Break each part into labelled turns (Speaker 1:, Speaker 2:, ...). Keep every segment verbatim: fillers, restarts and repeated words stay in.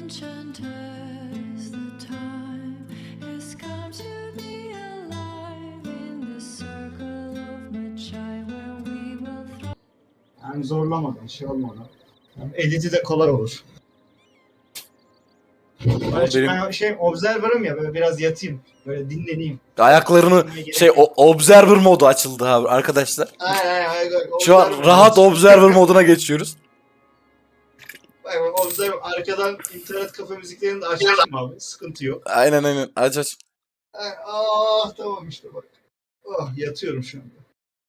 Speaker 1: enchanters, the time has come to be alive in the circle of Machai where we will thrive.
Speaker 2: Yani zorlamadan, şey olmadan. Yani editi de kolay olur.
Speaker 3: Ama
Speaker 2: Böyle
Speaker 3: benim
Speaker 2: ben şey observer'ım ya, böyle biraz yatayım. Böyle dinleneyim.
Speaker 3: ayaklarını
Speaker 2: Dinlemeye gerek
Speaker 3: şey
Speaker 2: yok.
Speaker 3: o, observer modu açıldı abi arkadaşlar.
Speaker 2: Aynen aynen. aynen.
Speaker 3: Şu an
Speaker 2: Observer
Speaker 3: rahat
Speaker 2: olsun.
Speaker 3: observer moduna geçiyoruz.
Speaker 2: Bak bak, observer arkadan internet kafe müziklerini de açmışım abi. Sıkıntı yok.
Speaker 3: Aynen aynen aç aç.
Speaker 2: Ay, ah tamam işte bak. Oh yatıyorum şu anda.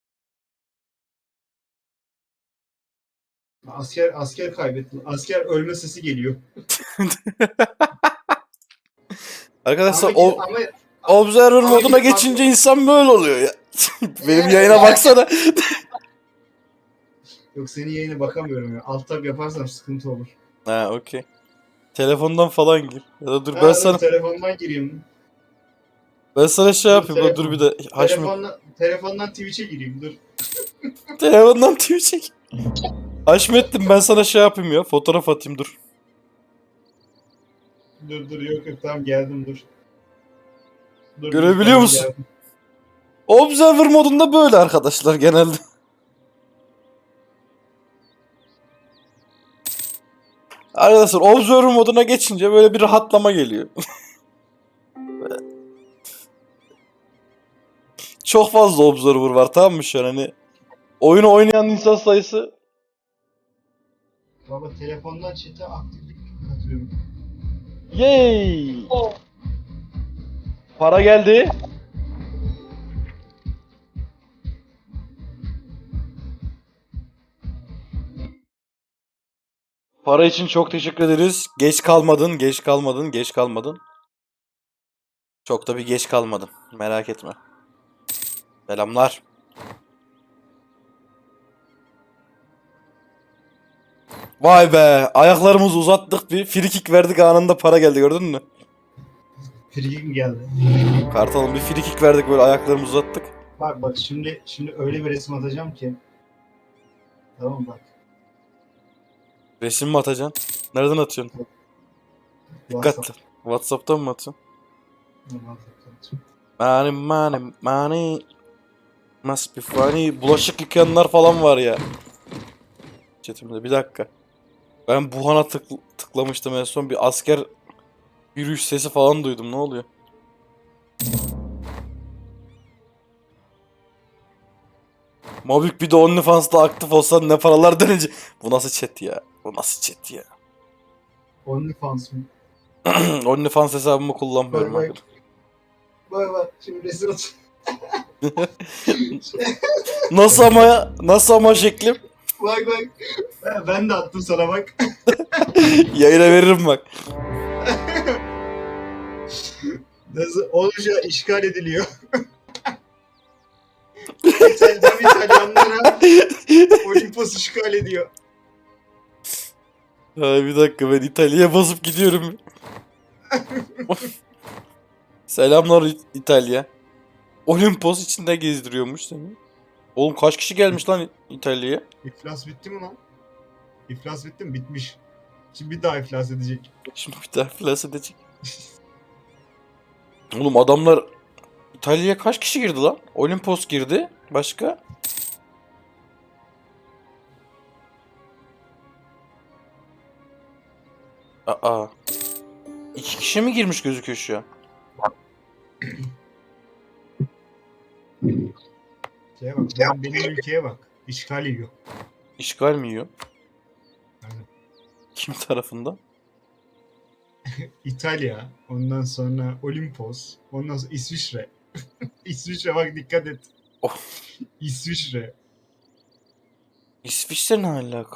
Speaker 2: Asker asker kaybetti. Asker ölme sesi geliyor.
Speaker 3: Arkadaşlar
Speaker 2: Ama,
Speaker 3: o
Speaker 2: ama
Speaker 3: observer
Speaker 2: ama
Speaker 3: moduna
Speaker 2: gidip
Speaker 3: geçince insan böyle oluyor ya. Benim yayına baksana.
Speaker 2: yok, senin yayına bakamıyorum ya. Alt tab yaparsam sıkıntı olur.
Speaker 3: Ha okey. Telefondan falan gir. Ya da dur
Speaker 2: Ha,
Speaker 3: ben
Speaker 2: dur,
Speaker 3: sana
Speaker 2: telefondan gireyim.
Speaker 3: ben sana şey
Speaker 2: Dur,
Speaker 3: yapayım da dur bir de Haşmet.
Speaker 2: Telefondan, telefondan Twitch'e gireyim dur.
Speaker 3: Telefondan T V çek. Haşmet'tim ben sana şey yapayım ya. Fotoğraf atayım dur.
Speaker 2: Dur dur yok yok tamam geldim dur. Dur, dur,
Speaker 3: Görebiliyor
Speaker 2: tamam,
Speaker 3: musun?
Speaker 2: geldim.
Speaker 3: Observer modunda böyle arkadaşlar genelde. Arkadaşlar Observer moduna geçince böyle bir rahatlama geliyor. Çok fazla Observer var tamam mı şu an hani. Oyunu oynayan insan sayısı.
Speaker 2: Baba telefondan chat'e aktiflik katıyorum.
Speaker 3: Yay! Para geldi. Para için çok teşekkür ederiz. Geç kalmadın, geç kalmadın, geç kalmadın. Çok da bir geç kalmadım. Merak etme. Selamlar. Vay be. Ayaklarımızı uzattık bir. Free kick verdik anında para geldi gördün mü?
Speaker 2: Free mi geldi?
Speaker 3: Kartalım bir free kick verdik böyle ayaklarımızı uzattık.
Speaker 2: Bak bak şimdi şimdi öyle bir resim atacağım ki. Tamam bak.
Speaker 3: Resim mi atacaksın? Nereden atıyorsun? Dikkatli. Whatsapp'tan mı atıyorsun? Money money money must be funny. Bulaşık yıkayanlar falan var ya. Chatimde bir dakika. Ben Buhan'a tık tıklamıştım en son bir asker yürüyüş sesi falan duydum ne oluyor? Mobik bir de OnlyFans'ta aktif olsan ne paralar dönecek. Bu nasıl chat ya? Bu nasıl chat ya?
Speaker 2: OnlyFans mı?
Speaker 3: OnlyFans hesabımı kullanmıyorum
Speaker 2: Bak, bak.
Speaker 3: arkadaşlar.
Speaker 2: Bak bak şimdi resim at.
Speaker 3: Nasıl ama ya? Nasıl ama şeklim?
Speaker 2: Bak bak. Ben- Ben de attım sana bak.
Speaker 3: Yayına veririm bak.
Speaker 2: Nasıl olunca işgal ediliyor. İtalyan İtalyanlara Olimpos işgal ediyor.
Speaker 3: Ay bir dakika ben İtalya'ya basıp gidiyorum. Selamlar İ- İtalya. Olimpos içinde gezdiriyormuş seni. Oğlum kaç kişi gelmiş lan İ- İtalya'ya?
Speaker 2: İflas bitti mi lan? İflas bitti mi? Bitmiş. Şimdi bir daha iflas edecek.
Speaker 3: Şimdi bir daha flas edecek. Oğlum adamlar İtalya'ya kaç kişi girdi lan? Olimpos girdi. Başka? Aa. İki kişi mi girmiş gözüküyor şu an?
Speaker 2: Şeye bak. Ben, benim ülkeye bak. İşgal yiyor.
Speaker 3: İşgal mi yiyor?
Speaker 2: Aynen.
Speaker 3: Kim tarafından?
Speaker 2: İtalya. Ondan sonra Olimpos. Ondan sonra İsviçre. İsviçre bak dikkat et.
Speaker 3: Oh.
Speaker 2: İsviçre.
Speaker 3: İsviçre ne alaka?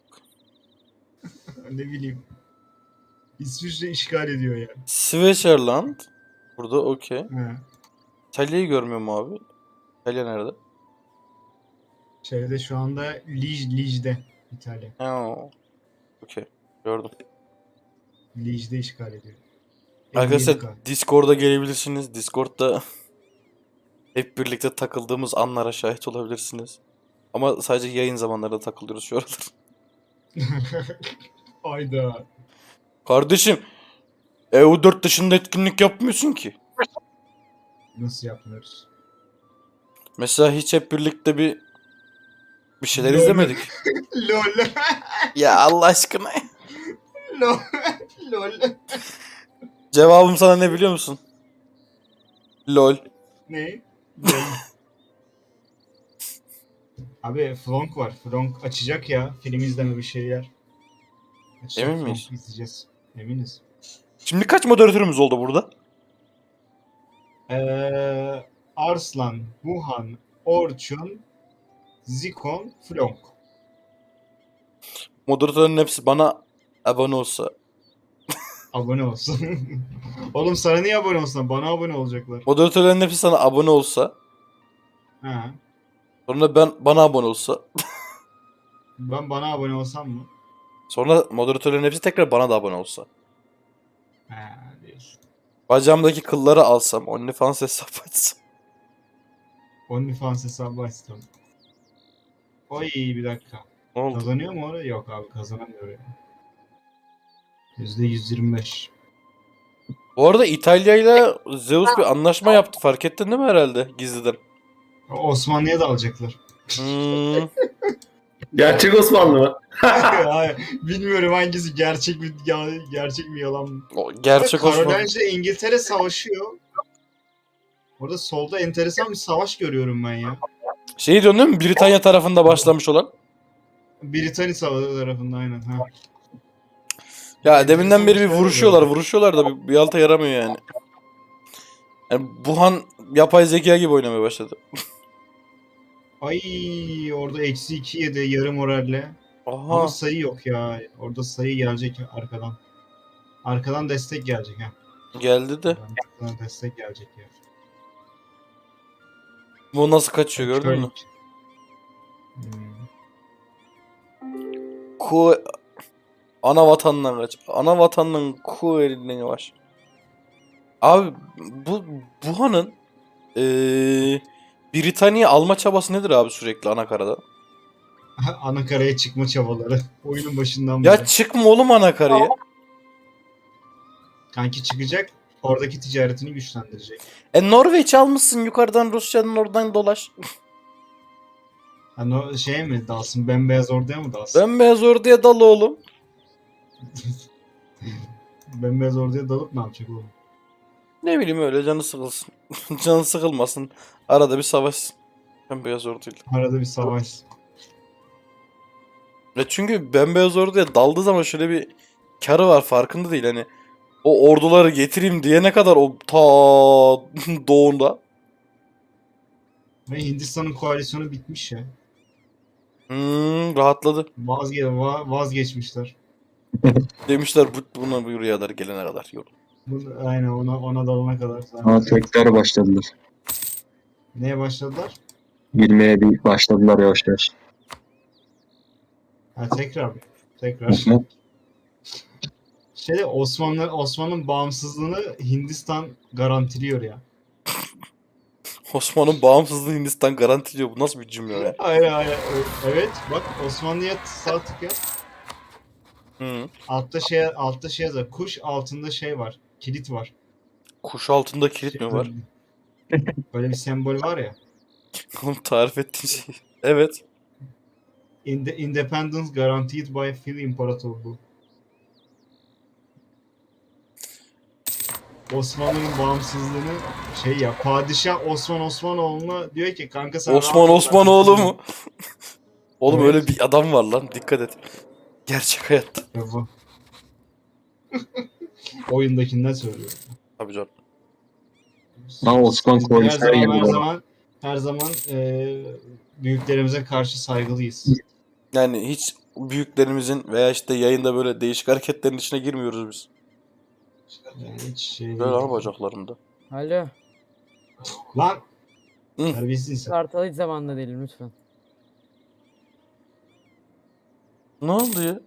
Speaker 2: Ne bileyim. İsviçre işgal ediyor ya.
Speaker 3: Switzerland. Burada okey.
Speaker 2: Ha.
Speaker 3: İtalya'yı görmüyor mu abi? İtalya nerede?
Speaker 2: Şeyde şu anda Lij, Lij'de İtalya.
Speaker 3: Ha, okey. Gördüm.
Speaker 2: Lij'de işgal ediyor.
Speaker 3: Arkadaşlar
Speaker 2: elli yedi K.
Speaker 3: Discord'a gelebilirsiniz. Discord'da hep birlikte takıldığımız anlara şahit olabilirsiniz. Ama sadece yayın zamanlarında takılıyoruz şu aralar.
Speaker 2: Hayda.
Speaker 3: Kardeşim E U dört dışında etkinlik yapmıyorsun ki.
Speaker 2: Nasıl yapmıyoruz?
Speaker 3: Mesela hiç hep birlikte bir bir şeyler
Speaker 2: Lol.
Speaker 3: izlemedik.
Speaker 2: Lol.
Speaker 3: Ya Allah aşkına.
Speaker 2: Lol. Lol.
Speaker 3: Cevabım sana ne biliyor musun? LOL.
Speaker 2: Ne? Lol. Abi Flonk var. Flonk açacak ya. Film izleme bir şeyler. Açacak,
Speaker 3: Emin miyiz?
Speaker 2: Flonk izleyeceğiz. Eminiz.
Speaker 3: Şimdi kaç moderatörümüz oldu burada?
Speaker 2: Ee, Arslan, Wuhan, Orçun, Zikon, Flonk.
Speaker 3: Moderatörün hepsi bana abone olsa.
Speaker 2: Abone olsun. Oğlum sana niye abone olsun? Bana abone olacaklar.
Speaker 3: Moderatörlerin hepsi sana abone olsa.
Speaker 2: Ha.
Speaker 3: Sonra ben bana abone olsa.
Speaker 2: Ben bana abone olsam mı?
Speaker 3: Sonra moderatörlerin hepsi tekrar bana da abone olsa.
Speaker 2: Ha diyorsun.
Speaker 3: Bacağımdaki kılları alsam. OnlyFans hesap açsam.
Speaker 2: OnlyFans hesabı açtım. Oy bir dakika.
Speaker 3: Ne oldu?
Speaker 2: Kazanıyor mu orada? Yok abi kazanamıyor ya. yüzde yüz yirmi beş.
Speaker 3: Bu arada İtalya ile Zeus bir anlaşma yaptı. Fark ettin değil mi herhalde gizliden?
Speaker 2: Osmanlı'ya da alacaklar.
Speaker 3: Hmm.
Speaker 4: Gerçek Osmanlı mı?
Speaker 2: Hayır, bilmiyorum hangisi gerçek mi ya, gerçek mi yalan mı?
Speaker 3: O gerçek Osmanlı.
Speaker 2: Karolince ile İngiltere savaşıyor. Orada solda enteresan bir savaş görüyorum ben ya.
Speaker 3: Şeyi diyorsun değil mi? Britanya tarafında başlamış olan.
Speaker 2: Britanya savaşı tarafında aynen. Ha.
Speaker 3: Ya deminden beri bir
Speaker 2: Enteresan
Speaker 3: vuruşuyorlar.
Speaker 2: şeyler
Speaker 3: Vuruşuyorlar da bir, bir alta yaramıyor yani. Yani Wuhan yapay zeka gibi oynamaya başladı.
Speaker 2: Ay orada eksi iki yedi yarı moralle. Ama
Speaker 3: Aha.
Speaker 2: sayı yok ya. Orada sayı gelecek arkadan. Arkadan destek gelecek ha.
Speaker 3: Geldi de.
Speaker 2: Arkadan destek gelecek ya.
Speaker 3: Bu nasıl kaçıyor gördün mü?
Speaker 2: Hmm.
Speaker 3: Ku ana vatandan kaç. Ana vatandan ku elinden var. Abi bu Wuhan'ın eee Britanya alma çabası nedir abi sürekli anakarada?
Speaker 2: Anakaraya çıkma çabaları. Oyunun başından beri.
Speaker 3: Ya çıkma oğlum anakaraya.
Speaker 2: Kanki çıkacak. Oradaki ticaretini güçlendirecek.
Speaker 3: E Norveç almışsın yukarıdan Rusya'nın oradan dolaş.
Speaker 2: Hani o şey mi dalsın? Bembeyaz orduya mı dalsın?
Speaker 3: Bembeyaz orduya dal oğlum.
Speaker 2: Bembeyaz orduya dalıp ne yapacak oğlum?
Speaker 3: Ne bileyim öyle canı sıkılsın. Canı sıkılmasın. Arada bir savaş. Bembeyaz orduyla.
Speaker 2: Arada bir savaş.
Speaker 3: Ya çünkü bembeyaz orduya daldığı zaman şöyle bir karı var farkında değil hani. O orduları getireyim diyene kadar o ta doğunda.
Speaker 2: Ve Hindistan'ın koalisyonu bitmiş ya.
Speaker 3: Hmm, rahatladı.
Speaker 2: Vazge va- vazgeçmişler.
Speaker 3: Demişler bu, buna bu rüyalar gelene kadar. Yok.
Speaker 2: Bu, aynen ona ona dalana kadar.
Speaker 4: Ha, tekrar başladılar.
Speaker 2: Neye başladılar?
Speaker 4: Girmeye bir başladılar yavaş yavaş.
Speaker 2: Ha tekrar mı? Tekrar. Şeyde Osmanlı Osman'ın bağımsızlığını Hindistan garantiliyor ya.
Speaker 3: Osman'ın bağımsızlığı Hindistan garantiliyor. Bu nasıl bir cümle ya?
Speaker 2: Hayır hayır. Evet bak Osmanlı'ya sağ tık yap.
Speaker 3: Hı.
Speaker 2: Altta şey altta şey yazar. Kuş altında şey var. Kilit var.
Speaker 3: Kuş altında kilit mi var?
Speaker 2: Böyle bir sembol var ya.
Speaker 3: Oğlum tarif ettiğin şey. Evet.
Speaker 2: In the independence guaranteed by Fil İmparatorluğu. Osmanlı'nın bağımsızlığını şey ya padişah Osman Osmanoğlu'na diyor ki kanka sen
Speaker 3: Osman
Speaker 2: rahat ol,
Speaker 3: Osmanoğlu
Speaker 2: ben-
Speaker 3: mu? Oğlum
Speaker 2: Evet.
Speaker 3: öyle bir adam var lan. Dikkat et. Gerçek hayatta.
Speaker 2: Ya bu. Oyundakinden söylüyorum.
Speaker 3: Tabii canım.
Speaker 4: Ha, Osman
Speaker 2: Biz
Speaker 4: koymuş
Speaker 2: her
Speaker 4: her
Speaker 2: zaman
Speaker 4: yeri
Speaker 2: her
Speaker 4: var.
Speaker 2: zaman her zaman e, büyüklerimize karşı saygılıyız.
Speaker 3: Yani hiç büyüklerimizin veya işte yayında böyle değişik hareketlerin içine girmiyoruz biz.
Speaker 2: Yani hiç şey
Speaker 3: Böyle
Speaker 2: değil.
Speaker 3: lan bacaklarımda.
Speaker 5: Alo.
Speaker 2: Lan!
Speaker 3: Hı.
Speaker 2: Terbiyesiz sen.
Speaker 5: Kartal hiç zamanında değilim lütfen.
Speaker 3: Ne oldu ya?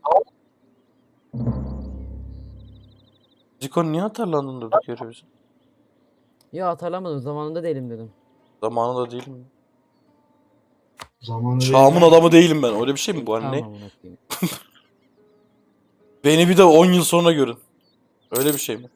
Speaker 3: Zikon niye atarlandın durduk yere bize?
Speaker 5: Ya hatırlamadım zamanında değilim dedim.
Speaker 3: Zamanında değilim.
Speaker 2: Zamanı
Speaker 3: Çağımın
Speaker 2: değil.
Speaker 3: adamı değilim ben. Öyle bir şey mi bu anne?
Speaker 5: Tamam amına koyayım.
Speaker 3: Beni bir de on yıl sonra görün. Öyle bir şey mi?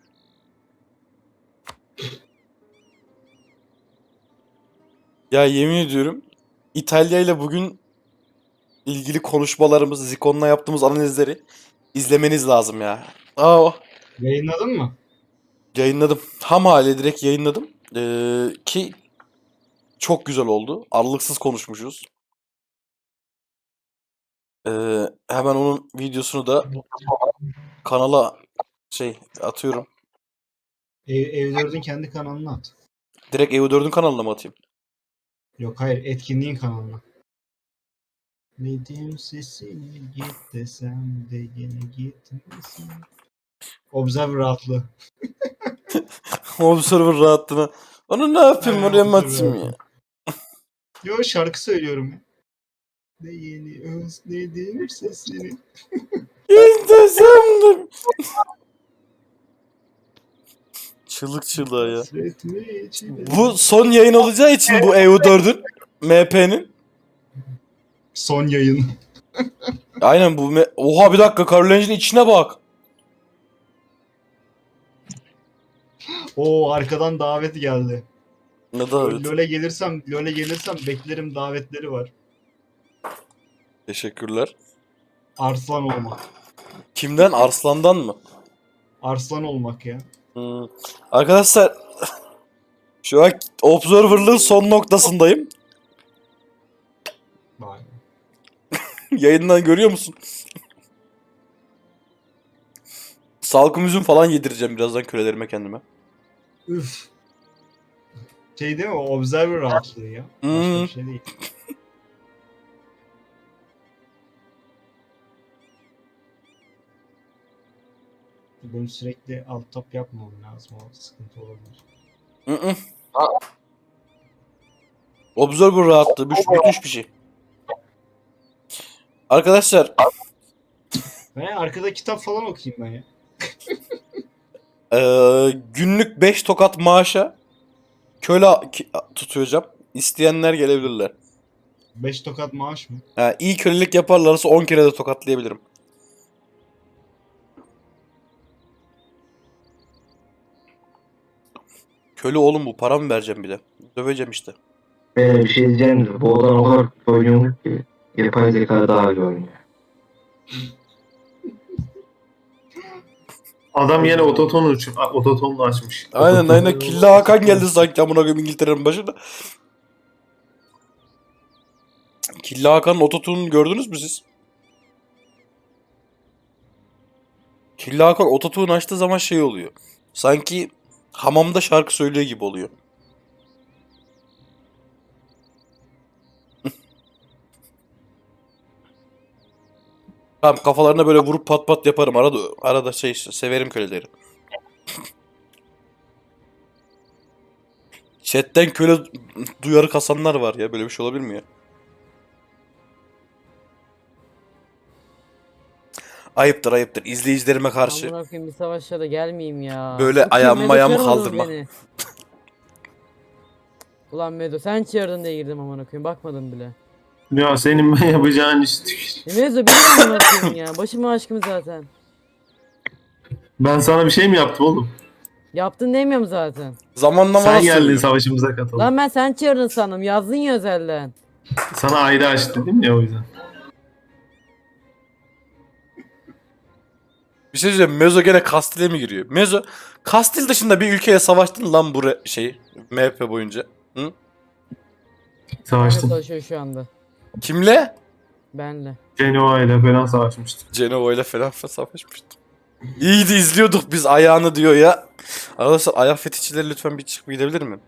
Speaker 3: Ya yemin ediyorum İtalya ile bugün ilgili konuşmalarımız, Zikon'la yaptığımız analizleri izlemeniz lazım ya. Aa,
Speaker 2: Yayınladın mı?
Speaker 3: yayınladım. Ham hali direkt yayınladım. Ee, ki çok güzel oldu. Aralıksız konuşmuşuz. Ee, hemen onun videosunu da kanala şey atıyorum.
Speaker 2: Ev, Ev dördün kendi kanalına at.
Speaker 3: Direkt E U dördün kanalına mı atayım?
Speaker 2: Yok hayır, etkinliğin kanalına. Nedim sesini git desem de yine gitmesin. Observer rahatlığı.
Speaker 3: Observer rahatlığına. Onu ne yapayım,
Speaker 2: Ha,
Speaker 3: oraya mı
Speaker 2: Observer
Speaker 3: atayım ya?
Speaker 2: rahatlığı. Yo, şarkı söylüyorum ya. De yeni özledim sesini.
Speaker 3: İstesem de. Çığlık çığlığa ya.
Speaker 2: Hasretme içine.
Speaker 3: Bu son yayın olacağı için bu E U dördün M P'nin.
Speaker 2: Son yayın.
Speaker 3: Aynen bu. me- Oha bir dakika, Carol içine bak.
Speaker 2: Oo, arkadan davet geldi.
Speaker 3: Ne davet?
Speaker 2: LoL'e gelirsem, LoL'e gelirsem beklerim, davetleri var.
Speaker 3: Teşekkürler.
Speaker 2: Arslan olmak.
Speaker 3: Kimden? Arslan'dan mı?
Speaker 2: Arslan olmak ya.
Speaker 3: Hmm. Arkadaşlar şu an Observer'lığın son noktasındayım.
Speaker 2: Vay.
Speaker 3: Yayından görüyor musun? Salkım üzüm falan yedireceğim birazdan kölelerime kendime.
Speaker 2: Üf. Şey değil mi? O Observer rahatlığı ya. Başka
Speaker 3: Hmm.
Speaker 2: bir şey değil. Benim sürekli alt tab yapmam lazım. O sıkıntı olabilir.
Speaker 3: Hı hı. Observer rahatlığı müş, müthiş bir şey. Arkadaşlar
Speaker 2: Ben arkada kitap falan okuyayım ben ya.
Speaker 3: eee, günlük beş tokat maaşa köle ki- tutacağım. İsteyenler gelebilirler.
Speaker 2: beş tokat maaş mı?
Speaker 3: Ha, iyi kölelik yaparlarsa on kere de tokatlayabilirim. Köle oğlum bu, para mı vereceğim bir de? Döveceğim işte.
Speaker 4: Ee, bir şey diyeceğim de bu adam o kadar kötü oynuyor ki yapay zeka daha iyi oynuyor.
Speaker 6: Adam yine ototonu uç- ototonunu açmış.
Speaker 3: Aynen aynen, Killa Hakan geldi sanki amına koyayım İngiltere'nin başına. Killa Hakan'ın ototune'unu gördünüz mü siz? Killa Hakan ototune açtığı zaman şey oluyor. Sanki hamamda şarkı söylüyor gibi oluyor. Tamam, kafalarına böyle vurup pat pat yaparım. Arada arada şey işte, severim köleleri. Chat'ten köle duyarı kasanlar var ya. Böyle bir şey olabilir mi ya? Ayıptır ayıptır. İzleyicilerime karşı
Speaker 5: Amına koyayım, bir savaşa da gelmeyeyim ya.
Speaker 3: böyle
Speaker 5: Bu kim?
Speaker 3: ayağımı
Speaker 5: Medo
Speaker 3: ayağımı
Speaker 5: çağırmadınız
Speaker 3: kaldırma.
Speaker 5: beni. Ulan Medo sen çağırdın diye girdim amına koyayım, bakmadım bile.
Speaker 6: Ya senin ben yapacağın iş tükür.
Speaker 5: E Medo benim amına koyayım ya. Başımın aşkım zaten.
Speaker 6: Ben sana bir şey mi yaptım oğlum?
Speaker 5: Yaptın demiyorum zaten.
Speaker 3: Zamanlama
Speaker 6: Sen
Speaker 3: nasıl
Speaker 6: geldin
Speaker 3: oluyor?
Speaker 6: savaşımıza katıldın.
Speaker 5: Lan ben sen çağırdın sandım. Yazdın ya özelden.
Speaker 6: Sana ayrı aç dedim ya o yüzden.
Speaker 3: Bir şey söyleyeceğim. Mezo gene Kastil'e mi giriyor? Mezo, Kastil dışında bir ülkeye savaştın lan bu re- şey M H P boyunca. Hı?
Speaker 5: Benle
Speaker 6: Savaştım.
Speaker 5: savaşıyor şu anda.
Speaker 3: Kimle?
Speaker 5: Benle.
Speaker 6: Cenova ile falan savaşmıştım.
Speaker 3: Cenova ile falan savaşmıştım. İyiydi, izliyorduk biz ayağını diyor ya. Arkadaşlar ayak fetişçileri lütfen bir çıkıp gidebilir mi?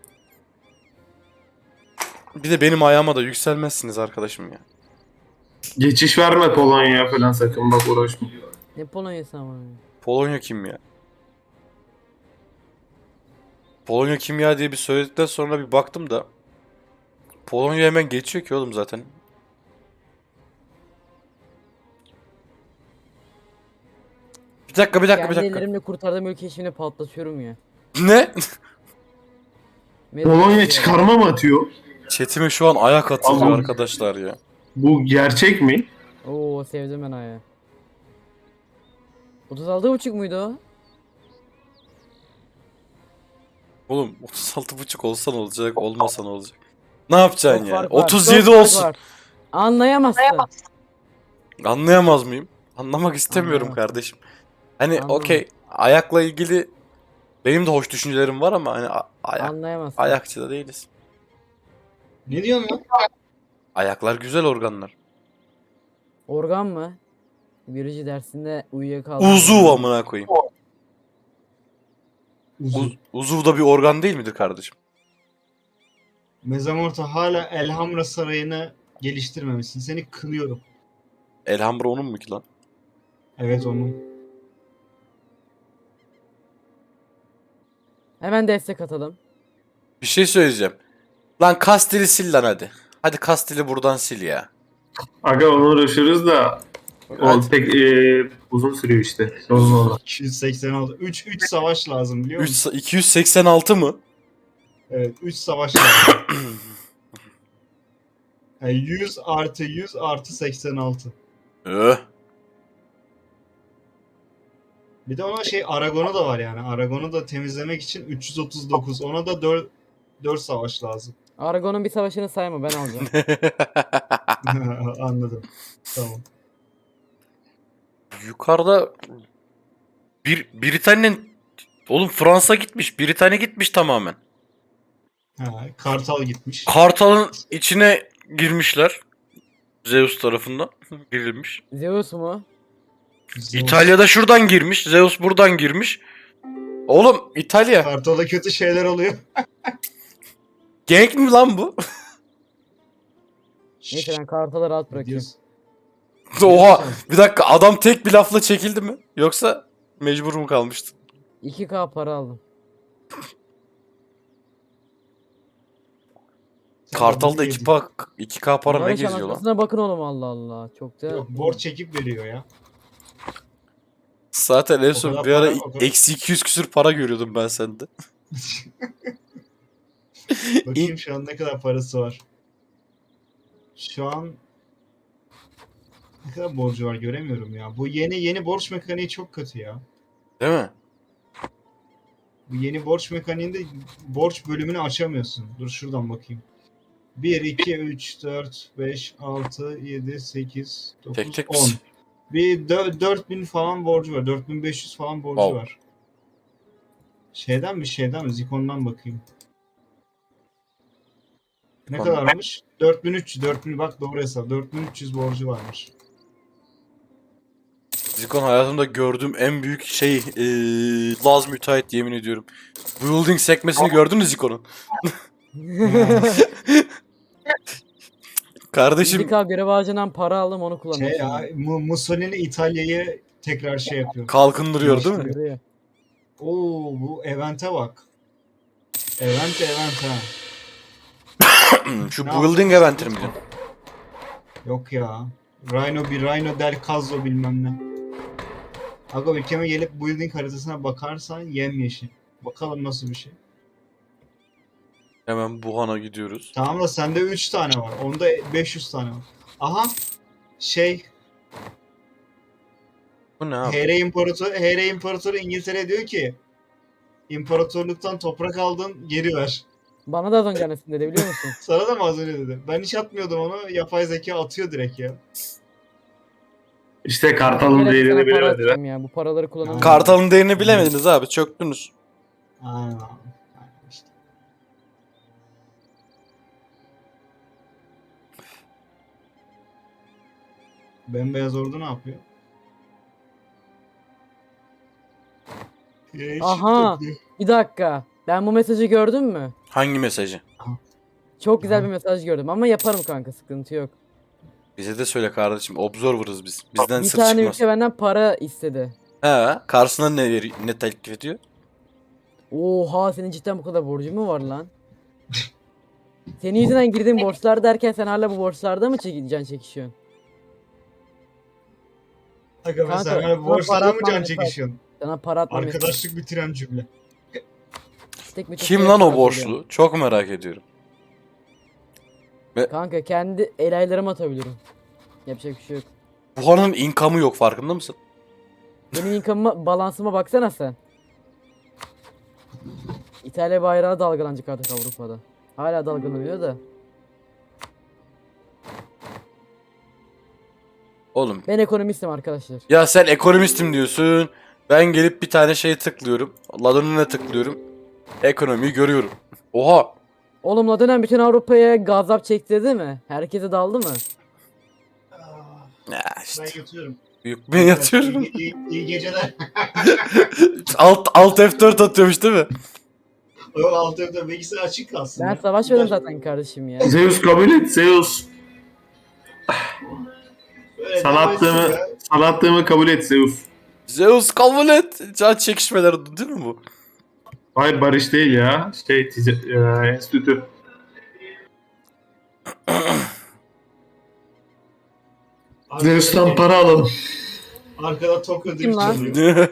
Speaker 3: Bir de benim ayağıma da yükselmezsiniz arkadaşım ya.
Speaker 6: Geçiş verme Polonya'ya falan sakın bak uğraşma.
Speaker 5: Ne Polonya'sı amına koyayım.
Speaker 3: Polonya kim ya? Polonya kim ya diye bir söyledikten sonra bir baktım da Polonya hemen geçiyor ki oğlum zaten. Bir dakika bir dakika bir
Speaker 5: Kendi
Speaker 3: dakika.
Speaker 5: ellerimle kurtardığım ülkeyi şimdi patlatıyorum ya.
Speaker 3: Ne?
Speaker 5: Medo
Speaker 6: Polonya
Speaker 5: çağırıyor.
Speaker 6: çıkarma mı atıyor?
Speaker 3: Chatime şu an ayak atılıyor
Speaker 6: Allah'ım.
Speaker 3: arkadaşlar ya.
Speaker 6: Bu gerçek mi?
Speaker 5: Oo sevdim ben ayağı. otuz altı buçuk muydu o?
Speaker 3: Oğlum otuz altı buçuk olsa ne olacak, olmasa ne olacak? Ne yapacaksın
Speaker 5: Çok
Speaker 3: ya?
Speaker 5: fark var,
Speaker 3: otuz
Speaker 5: çok
Speaker 3: yedi
Speaker 5: fark
Speaker 3: olsun.
Speaker 5: var. Anlayamazsın.
Speaker 3: Anlayamaz mıyım? Anlamak istemiyorum
Speaker 5: Anlayamazsın.
Speaker 3: kardeşim. Hani
Speaker 5: Anlamam.
Speaker 3: okey, ayakla ilgili benim de hoş düşüncelerim var ama hani a- ayak,
Speaker 5: Anlayamazsın.
Speaker 3: ayakçı da değiliz.
Speaker 2: Ne diyorsun lan?
Speaker 3: Ayaklar güzel organlar.
Speaker 5: Organ mı? Biyoloji dersinde uyuyakaldım.
Speaker 3: Uzuv amına koyayım.
Speaker 2: Uzun.
Speaker 3: Uz, uzuv da bir organ değil midir kardeşim?
Speaker 2: Mezamorta hala Elhamra Sarayı'nı geliştirmemişsin. Seni kınıyorum.
Speaker 3: Elhamra onun mu ki lan?
Speaker 2: Evet onun.
Speaker 5: Hemen destek atalım.
Speaker 3: Bir şey söyleyeceğim. Lan Kastil'i sil lan hadi. Hadi Kastil'i buradan sil ya.
Speaker 6: Aga onu uğraşıyoruz da o
Speaker 3: Hadi.
Speaker 6: pek e, uzun sürüyor işte. Sorun orada.
Speaker 2: iki yüz seksen altı. üç üç savaş lazım biliyor musun?
Speaker 3: üç, iki yüz seksen altı mı?
Speaker 2: Evet üç savaş lazım. Yani yüz artı yüz artı seksen altı.
Speaker 3: Öh.
Speaker 2: Bir de ona şey Aragon'u da var yani. Aragon'u da temizlemek için üç yüz otuz dokuz. Ona da dört dört savaş lazım.
Speaker 5: Argon'un bir savaşını sayma, ben alacağım.
Speaker 2: Anladım. Tamam.
Speaker 3: Yukarıda bir Britanya'nın oğlum Fransa gitmiş. Britanya gitmiş tamamen.
Speaker 2: Ha, Kartal gitmiş.
Speaker 3: Kartal'ın içine girmişler. Zeus tarafından girilmiş.
Speaker 5: Zeus mu?
Speaker 2: Zeus.
Speaker 3: İtalya'da şuradan girmiş. Zeus buradan girmiş. Oğlum İtalya.
Speaker 2: Kartal'da kötü şeyler oluyor.
Speaker 3: Gank mi lan bu?
Speaker 5: Neyse ben Kartal'ı rahat bırakıyorum.
Speaker 2: Diyorsun.
Speaker 3: Oha. Bir dakika adam tek bir lafla çekildi mi? Yoksa mecbur mu kalmıştı?
Speaker 5: iki K para aldım.
Speaker 2: Sen
Speaker 3: Kartal'da
Speaker 2: bunu
Speaker 3: iki
Speaker 2: yedin.
Speaker 3: K iki K para ne
Speaker 5: Barış
Speaker 3: geziyor lan?
Speaker 5: anlatmasına bakın oğlum, Allah Allah. Çok da...
Speaker 2: Yok borç çekip veriyor ya.
Speaker 3: Zaten en
Speaker 2: O
Speaker 3: son
Speaker 2: kadar
Speaker 3: bir ara
Speaker 2: para- o kadar-
Speaker 3: eksi iki yüz küsür para görüyordum ben sende.
Speaker 2: Bakayım şu an ne kadar parası var. Şu an ne kadar borcu var göremiyorum ya. Bu yeni yeni borç mekaniği çok kötü ya.
Speaker 3: Değil mi?
Speaker 2: Bu yeni borç mekaniğinde borç bölümünü açamıyorsun. Dur şuradan bakayım. bir, iki, üç, dört, beş, altı, yedi, sekiz,
Speaker 3: Tek
Speaker 2: dokuz,
Speaker 3: tek
Speaker 2: on.
Speaker 3: misin?
Speaker 2: Bir dört bin falan borcu var. dört bin beş yüz falan borcu
Speaker 3: Wow.
Speaker 2: var. Şeyden mi şeyden mi? Zikon'dan bakayım. Ne
Speaker 3: Zikon'dan.
Speaker 2: kadarmış? dört bin üç yüz. dört bin bak doğru hesap. dört bin üç yüz borcu varmış.
Speaker 3: Zikon hayatımda gördüğüm en büyük şey eee Laz müteahhit yemin ediyorum. Building sekmesini gördün mü Zikon'un? Kardeşim
Speaker 5: iki K görev ağacından para aldım, onu kullanıyorum.
Speaker 2: Şey ya, Mu- Mussolini İtalya'yı tekrar şey yapıyor.
Speaker 3: kalkındırıyor değil mi?
Speaker 5: Görüyor.
Speaker 2: Oo bu event'e bak. Event event ha.
Speaker 3: Şu
Speaker 2: Ne
Speaker 3: building
Speaker 2: yaptın?
Speaker 3: event'ini mi diyorsun?
Speaker 2: Yok ya. Rhino bir Rhino del Cazzo bilmem ne. Aga ülkeme gelip building haritasına bakarsan yemyeşil. Bakalım nasıl bir şey.
Speaker 3: Hemen Wuhan'a gidiyoruz.
Speaker 2: Tamam da sende üç tane var. Onda beş yüz tane var. Aha. Şey.
Speaker 3: Bu ne abi?
Speaker 2: H R İmparatoru, H R İmparatoru İngiltere diyor ki İmparatorluktan toprak aldın geri ver.
Speaker 5: Bana da az önce annesini dedi, biliyor musun?
Speaker 2: Sana da mı az önce dedi? Ben hiç atmıyordum onu. Yapay zeka atıyor direkt ya.
Speaker 6: İşte Kartal'ın
Speaker 5: Gene
Speaker 6: değerini
Speaker 5: sana para
Speaker 6: bilemediler.
Speaker 5: atacağım ya. Bu paraları kullanamıyorum.
Speaker 3: Kartal'ın değerini bilemediniz abi. Çöktünüz.
Speaker 2: Aynen abi. Aynen işte. Bembeyaz ordu ne yapıyor? Hiç
Speaker 5: Aha!
Speaker 2: topluyor.
Speaker 5: Bir dakika. Ben bu mesajı gördün mü?
Speaker 3: Hangi mesajı?
Speaker 5: Çok güzel
Speaker 2: Aha.
Speaker 5: bir mesaj gördüm ama yaparım kanka, sıkıntı yok.
Speaker 3: Bize de söyle kardeşim. Observer'ız biz. Bizden
Speaker 5: Bir
Speaker 3: sır
Speaker 5: tane
Speaker 3: çıkmaz.
Speaker 5: ülke benden para istedi.
Speaker 3: He, karşısına ne veri ne teklif ediyor?
Speaker 5: Oha, senin cidden bu kadar borcu mu var lan? Senin yüzünden girdiğin borçlar derken sen hala bu borçlarda mı çekeceksin, çekişiyorsun?
Speaker 2: Aga be
Speaker 5: Kanka,
Speaker 2: sen hala
Speaker 5: sana
Speaker 2: bu borçlarla
Speaker 5: para
Speaker 2: mı
Speaker 5: atmam
Speaker 2: can
Speaker 5: yeter.
Speaker 2: çekişiyorsun?
Speaker 5: Sana para atmam yeter.
Speaker 2: Arkadaşlık bitiren cümle.
Speaker 5: Tek bir
Speaker 3: Kim
Speaker 5: tek
Speaker 3: lan o
Speaker 5: yapacağım.
Speaker 3: borçlu? Çok merak ediyorum.
Speaker 5: Kanka kendi el aylarımı atabilirim. Yapacak bir şey yok.
Speaker 3: Wuhan'ın income'ı yok farkında mısın?
Speaker 5: Benim income'ıma, balansıma baksana sen. İtalya bayrağı dalgalanacak artık Avrupa'da. Hala dalgalanıyor da.
Speaker 3: Oğlum
Speaker 5: Ben ekonomistim arkadaşlar.
Speaker 3: ya sen ekonomistim diyorsun. Ben gelip bir tane şey tıklıyorum. Ladonuna tıklıyorum. Ekonomiyi görüyorum. Oha.
Speaker 5: Oğlum la dönem bütün Avrupa'ya gazap çektirdi mi? Herkese daldı mı?
Speaker 3: Ya
Speaker 2: Ben
Speaker 3: işte.
Speaker 2: yatıyorum.
Speaker 3: Büyük ben yatıyorum.
Speaker 2: İyi, iyi, iyi geceler.
Speaker 3: alt, alt F dört atıyormuş değil mi?
Speaker 2: O alt evde bilgisayar açık kalsın.
Speaker 5: Ben
Speaker 2: ya.
Speaker 5: savaşmadım zaten kardeşim ya.
Speaker 6: Zeus kabul et Zeus.
Speaker 2: Böyle
Speaker 6: Sana
Speaker 2: devam etsin
Speaker 6: attığımı,
Speaker 2: ya.
Speaker 6: sana attığımı kabul et Zeus.
Speaker 3: Zeus kabul et. Can çekişmeler değil mi bu?
Speaker 6: Hayır barış değil ya. Şey tice, e, enstitü.
Speaker 2: Arkada-
Speaker 6: Zeus'tan para alalım.
Speaker 2: Arkada Tokyo
Speaker 5: Kim
Speaker 2: Drift
Speaker 5: lan?
Speaker 2: çalıyor.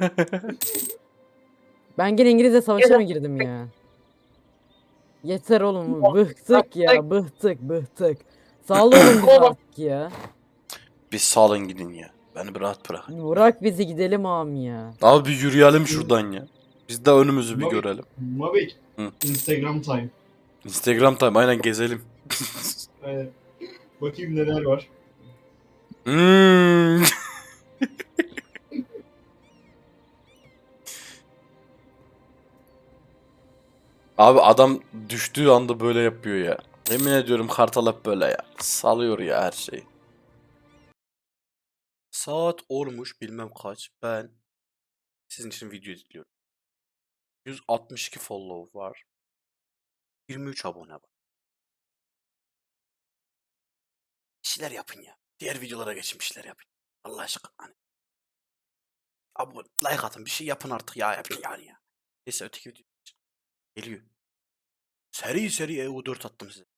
Speaker 5: Ben gene İngilizce savaşa mı girdim ya? Yeter oğlum. Bıktık ya. Bıktık bıktık. Sağlıyorum bizi artık ya.
Speaker 3: Bir salın gidin ya. Beni bir rahat bırak.
Speaker 5: Bırak bizi gidelim ağam ya.
Speaker 3: Abi bir yürüyelim şuradan ya. Biz de önümüzü bir
Speaker 2: Mabik.
Speaker 3: görelim.
Speaker 2: Mabik.
Speaker 3: Hı.
Speaker 2: Instagram time.
Speaker 3: Instagram time aynen gezelim.
Speaker 2: Evet. Bakayım neler var.
Speaker 3: Hmm. Abi adam düştüğü anda böyle yapıyor ya. Yemin ediyorum Kartal hep böyle ya. Salıyor ya her şeyi. Saat olmuş bilmem kaç. Ben sizin için video izliyorum. yüz altmış iki follow var. yirmi üç abone var. Bir şeyler yapın ya. Diğer videolara geçin bir şeyler yapın. Allah aşkına. Hani. Abone, like atın bir şey yapın artık ya. Yapın yani ya. Neyse öteki video geliyor. Seri seri E U dört attım size.